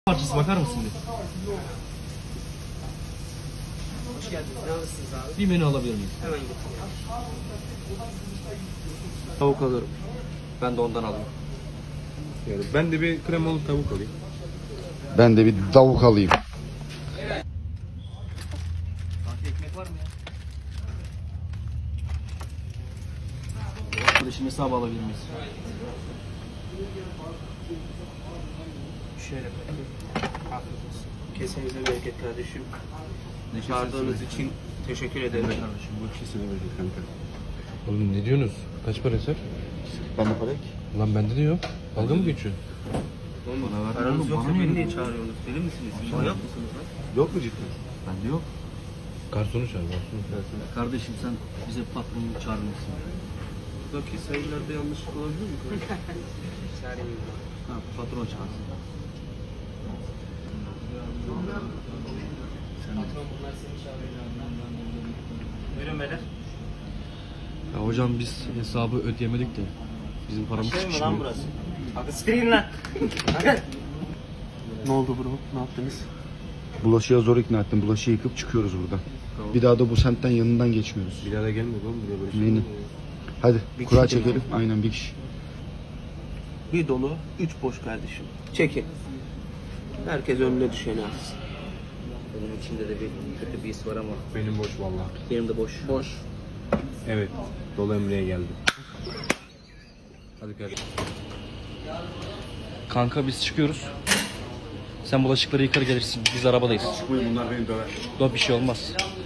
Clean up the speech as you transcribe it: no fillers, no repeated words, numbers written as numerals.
Parçası bakar mısın bir? Hoş geldiniz. Ne alırsınız abi? Bir menü alabilir miyim? Hemen getiriyorum. Tavuk alırım. Ben de ondan alayım. Yani ben de bir kremalı tavuk alayım. Ben de bir tavuk alayım. Fatih ekmek var mı ya? Arkadaşın hesabı alabilir miyiz? Şöyle bakayım. Afiyet olsun. Kesenize bereket kardeşim. Ne Çağırdığınız için teşekkür ederim. Kardeşim bu ikisini verecek kanka. Oğlum ne diyorsunuz? Kaç para eser? Bana para ki. Lan bende de yok. Dalga mı geçiyor? Oğlum, Bana ver. paranız Oğlum, yoksa bana beni niye niye çağırıyorsunuz? Deli misiniz? Manyak mısınız lan? Yok mu cidden? Bende yok. Garsonu çağır, garsonu çağır. Kardeşim sen bize patronunu çağırmışsın. Buradaki sayılarda yanlışlık olabilir mi? Çağırayım. Ha, patron çağırsın. Patron bunlar seni çağırıyor. Buyurun beyler. Ya hocam biz hesabı ödeyemedik de bizim paramız Şey mi lan çıkmıyor. burası? Hadi siktirin lan. Hadi. Ne oldu bro? Ne yaptınız? Bulaşığa zor ikna ettim. Bulaşığı yıkıp çıkıyoruz buradan. Tamam. Bir daha da bu semtten yanından geçmiyoruz. Bir daha da gelme lan buraya böyle şey. Aynen. Hadi Bir kura kişi çekelim. Aynen bir kişi. Bir dolu, 3 boş kardeşim. Çekin. Herkes önüne düşeni alsın. Benim içimde de bir kötü bir his var ama Benim boş vallahi. benim de boş. Boş. Evet. Dolu Emre'ye geldim. Hadi kardeşim. Kanka biz çıkıyoruz. Sen bulaşıkları yıkar gelirsin. Biz arabadayız. Çıkmayın bunlar beni döver. Yok bir şey olmaz.